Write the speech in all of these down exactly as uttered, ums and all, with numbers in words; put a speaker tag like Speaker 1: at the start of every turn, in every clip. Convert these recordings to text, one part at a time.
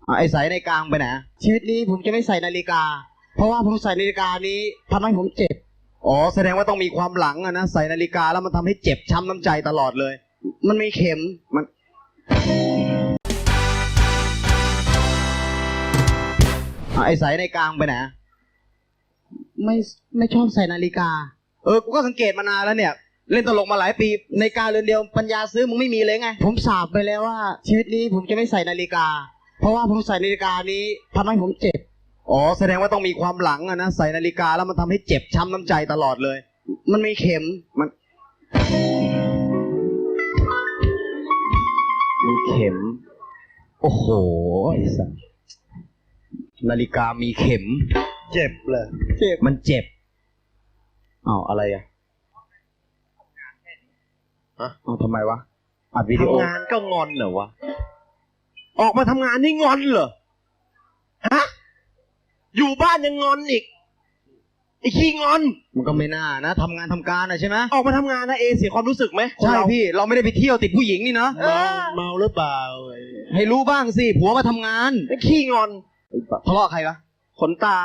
Speaker 1: ไอ้ใส่ในกลางไปไหนชีวิตนี้ผมจะไม่ใส่นาฬิกาเพราะว่าผมใส่นาฬิกานี้ทำให้ผมเจ็บอ๋อแสดงว่าต้องมีความหลังอะนะใส่นาฬิกาแล้วมันทำให้เจ็บช้ำน้ำใจตลอดเลยมันมีเข็มมันไอ้ใส่ในกลางไปไหนไม่ไม่ชอบใส่นาฬิกาเออกูก็สังเกตมานานแล้วเนี่ยเล่นตลกมาหลายปีนาฬิกาเรือนเดียวปัญญาซื้อมึงไม่มีเลยไงผมสาบไปแล้วว่าชีวิตนี้ผมจะไม่ใส่นาฬิกาเพราะว่าผมใส่นาฬิกานี้ทำให้ผมเจ็บอ๋อแสดงว่าต้องมีความหลังอะนะใส่นาฬิกาแล้วมันทำให้เจ็บช้ำน้ำใจตลอดเลยมันมีเข็มมันมีเข็มโอ้โหไอ้สัสนาฬิกามีเข็ม
Speaker 2: เจ็บเลย
Speaker 1: เจ็บมันเจ็บอ้าวอะไรอะ
Speaker 2: ฮะ
Speaker 1: อ้าวทำไมวะอัดวิดีโอ
Speaker 2: ทำงานก็งอนเหรอวะออกมาทำงานนี่งอนเหรอฮะอยู่บ้านยังงอนอีกไอ้ขี้งอน
Speaker 1: มันก็ไม่น่านะทำงานทำการนะใช่ไหม
Speaker 2: ออกมาทำงานนะเอเสียความรู้สึกไหม
Speaker 1: ใช่พี่เราไม่ได้ไปเที่ยวติดผู้หญิงนี่เนาะ
Speaker 2: เมาเมาหรือเปล่า
Speaker 1: ให้รู้บ้างสิผัวมาทำงาน
Speaker 2: ไอ้ขี้งอน
Speaker 1: ทะเลาะใครวะ
Speaker 2: ขนตา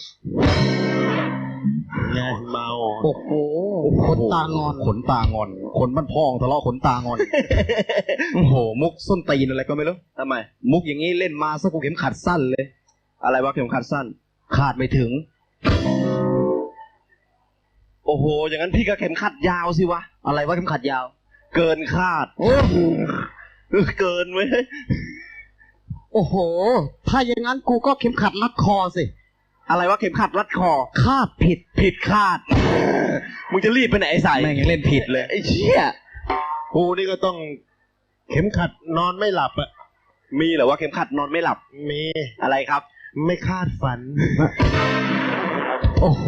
Speaker 2: ไงเมา
Speaker 1: โอ้โหขนตางอนขนตางอนขนบ้านพองทะเลาะขนตางอนโอ้โหมุกส้นตีนอะไรก็ไม่รู้
Speaker 2: ทำไม
Speaker 1: มุกอย่างนี้เล่นมาสักกูเข็มขัดสั้นเลย
Speaker 2: อะไรวะเข็มขัดสั้น
Speaker 1: ขาดไม่ถึง
Speaker 2: โอ้โหอย่างนั้นพี่ก็เข็มขัดยาวสิวะ
Speaker 1: อะไรวะเข็มขัดยาว
Speaker 2: เกินคาด
Speaker 1: โอ้
Speaker 2: เกินเว้ย
Speaker 1: โอ้โหถ้าอย่างนั้นกูก็เข็มขัดรัดคอสิ
Speaker 2: อะไรวะเข็มขัดรัดคอ
Speaker 1: คาดผิด
Speaker 2: ผิดคาดมึงจะรีบไปไหนไอ้สาย
Speaker 1: แม่งยังเล่นผิดเลย
Speaker 2: ไอ้เชี่ยกูนี่ก็ต้องเข็มขัดนอนไม่หลับอะมีเหรอว่าเข็มขัดนอนไม่หลับมีอะไรครับไม่คาดฝัน
Speaker 1: โอ้โห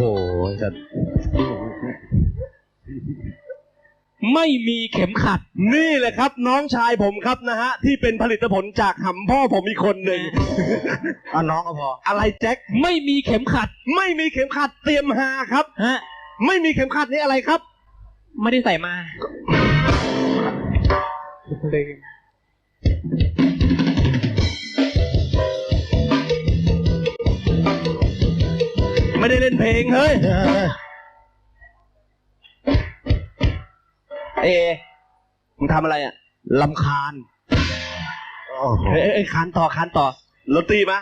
Speaker 2: ไม่มีเข็มขัดนี่แหละครับน้องชายผมครับนะฮะที่เป็นผลิตผลจากหำพ่อผมอีกคนหนึ่ง
Speaker 1: อ่ะน้องก็พอ
Speaker 2: อะไรแจ็คไม่มีเข็มขัดไม่มีเข็มขัดเตรียมหาครับ
Speaker 1: ฮะ
Speaker 2: ไม่มีเข็มขัดนี่อะไรครับ
Speaker 1: ไม่ได้ใส่มา
Speaker 2: ไม่ได้เล่นเพลงเฮ้ยเอมึงทำอะไรอ่ะ
Speaker 1: ลำคาญ
Speaker 2: เอ้ยเอ้ยคานต่อคานต่อรถตีมา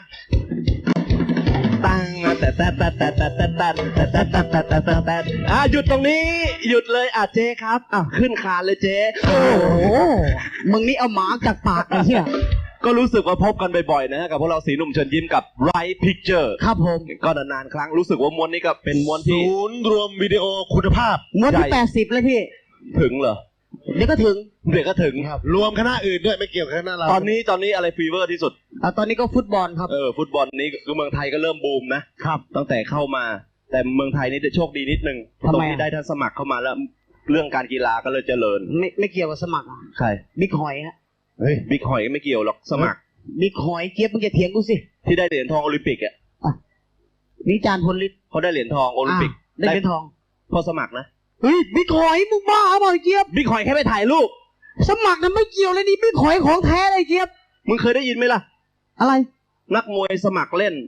Speaker 2: ตั้งแต่แต่แต่แต่แต่แต่แต่แต่แต่แต่แต่แต่แต่แต่อ่ะหยุดตรงนี้หยุดเลยอ่ะเจ๊ครับอ่ะขึ้นคานเลยเจ๊
Speaker 1: โอ้โหมึงนี่เอาหมาจากปากไอ้เหี้ย
Speaker 2: ก็รู้สึกว่าพบกันบ่อยๆนะกับพวกเราสีหนุ่มเชิญยิ้มกับ Right Picture
Speaker 1: ครับผม
Speaker 2: ก็นานๆครั้งรู้สึกว่าม้วนนี้ก็เป็นม้วนที่ศูนย์รวมวิดีโอคุณภาพ
Speaker 1: ม้วนที่แปดสิบเลยพี่
Speaker 2: ถึงเหรอ
Speaker 1: เดี๋ยวก็ถึง
Speaker 2: เดี๋ยวก็ถึง
Speaker 1: ครับ
Speaker 2: รวมคณะอื่นด้วยไม่เกี่ยวกับคณะเราตอนนี้ตอนนี้อะไรฟีเวอร์ที่สุด
Speaker 1: อ่ะตอนนี้ก็ฟุตบอลครับ
Speaker 2: เออฟุตบอลนี้ก็เมืองไทยก็เริ่มบูมนะครับตั้งแต่เข้ามาแต่เมืองไทยนี่จะโชคดีนิดนึงตรงที่ได้ท่านสมัครเข้ามาแล้วเรื่องการกีฬาก็เลยเจริญ
Speaker 1: ไม่ไม่เกี่ยวกับสมัคร
Speaker 2: ใคร
Speaker 1: บิ๊กหอยฮะ
Speaker 2: เฮ้ยบิ๊กหอยก็ไม่เกี่ยวหรอกสมัคร
Speaker 1: บิ๊กหอยเจี๊ยบมึงจะเถียงกูสิ
Speaker 2: ที่ได้เหรียญทองโอลิมปิกอ่ะ
Speaker 1: วิจารณ์พลฤทธิ์
Speaker 2: เขาได้เหรียญทองโอลิมปิก
Speaker 1: ได้เหรียญทอง
Speaker 2: พอสมัครนะ
Speaker 1: เฮ้ยบิ๊กหอยมึงบ้าเปล่าเจี๊ยบ
Speaker 2: บิ๊กหอยแค่ไปถ่ายรูป
Speaker 1: สมัครนั้นไม่เกี่ยวเลยนี่บิ๊กหอยของแท้เลยเจี๊ยบ
Speaker 2: มึงเคยได้ยินไหมล่ะ
Speaker 1: อะไร
Speaker 2: นักมวยสมัครเล่น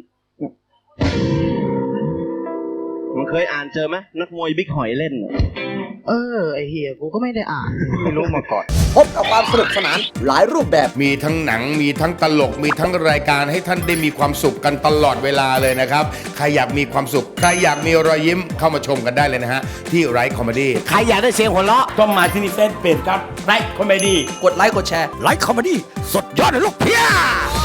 Speaker 2: มึงเคยอ่านเจอไหมนักมวยบิ๊กหอยเล่น
Speaker 1: เออไอเฮียกูก็ไม่ได้อ่าน
Speaker 2: ไม่รู้มาก่อน
Speaker 3: พบกับความสนุกสนานหลายรูปแบบ
Speaker 4: มีทั้งหนังมีทั้งตลกมีทั้งรายการให้ท่านได้มีความสุขกันตลอดเวลาเลยนะครับใครอยากมีความสุขใครอยากมีรอยยิ้มเข้ามาชมกันได้เลยนะฮะที่ไรคอมเมดี้
Speaker 3: ใครอยากได้เสียงหัวเราะ
Speaker 5: ต้องมาที่นี่เฟซเพจครับไรคอมเมดี้
Speaker 3: กดไลค์กดแชร์ไลค์คอมเมดี้สดยอดเลยลูกเพี้ย